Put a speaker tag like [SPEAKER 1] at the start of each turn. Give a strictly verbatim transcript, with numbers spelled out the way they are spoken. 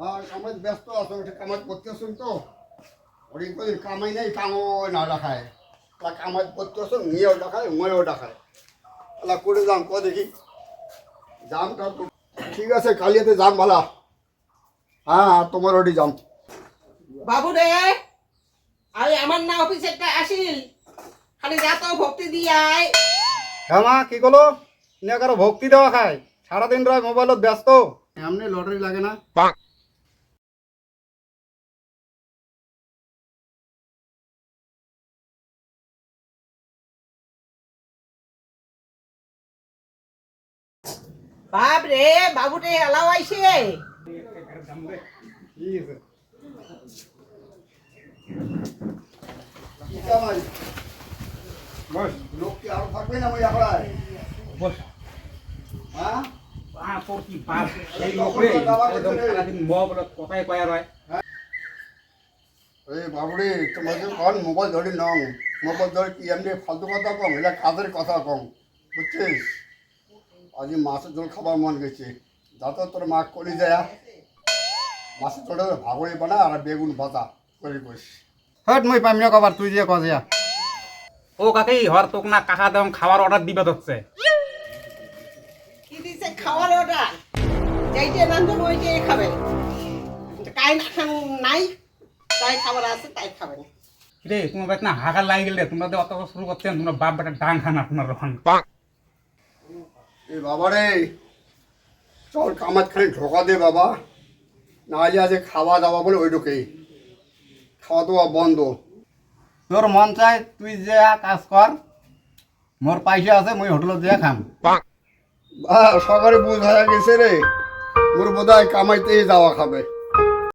[SPEAKER 1] আর কামাই ব্যস্ত আছো, ওটা কামাই করতেছেন তো ওই কদিন কামাই নেই, কামও না দেখায়। তা কামাই করতেছ, নিয়েও দেখায়, ময়েও দেখায়। তাহলে করে যাম ক দেখি জামটা তো ঠিক আছে, কালিয়াতে যাম ভালা। হ্যাঁ হ্যাঁ, তোমার ওটি যাম।
[SPEAKER 2] বাবু রে, আরে আমার না অফিসে একটা আসিল, খালি যা তো ভক্তি দিয়ে আয়।
[SPEAKER 1] হ্যাঁ মা, কি করলো? নিয়ে কারো ভক্তি দেওয়া খায়, সারাদিন রয় মোবাইলত ব্যস্ত। এমনি লটারি লাগে না?
[SPEAKER 2] বাপ রে, বাবু রে এলাও আইছে। লোক কি আরো থাকবে না ওই আখড়ায়? হ্যাঁ এই বাবুরে, তোমাকে কন মোবাইল ধরি নং, মোবাইল ধরে কি এমনি ফালতু কথা কম, এটা কাজের কথা কম, বুঝছিস? আজ মাছের ঝোল খাবার মন গেছে, যত তোর মা করি যায় মাছের ঝোলটা ভাগড়ি বানা আর বেগুন ভাজা করে করিস। হ্যাঁ মই পাইম না কবার, তুই যে কজিয়া।
[SPEAKER 3] ও কাকি হর তোক না কাকা দেম খাবার অর্ডার দিবে হচ্ছে।
[SPEAKER 2] কি দিছে খাওয়ার অর্ডার? যাইতে নান্দন ওইটাই খাবে, কাই না খান নাই, তাই খাবার আছে তাই খাবেন।
[SPEAKER 3] রে তোমার বাড়িতে না হাগার লাগি গেলে তোমরা যে অত শুরু করছেন, তোমরা বাপ বেটা ডাং খান আপনার রকম।
[SPEAKER 1] এ বাবা রে, চল কামাত খানি ঢোকা দে বাবা, না হলে আজ খাওয়া দাওয়া বলে ওই ঢোকেই খাওয়া দাওয়া বন্ধ। তোর মন চাই তুই যে কাজ কর, মোর পয়সা আছে, মুই হোটেলত দিয়ে খাম। সকালে বুঝ হয়ে গেছে রে, মোর বোধ হয় কামাইতেই যাওয়া খাবে।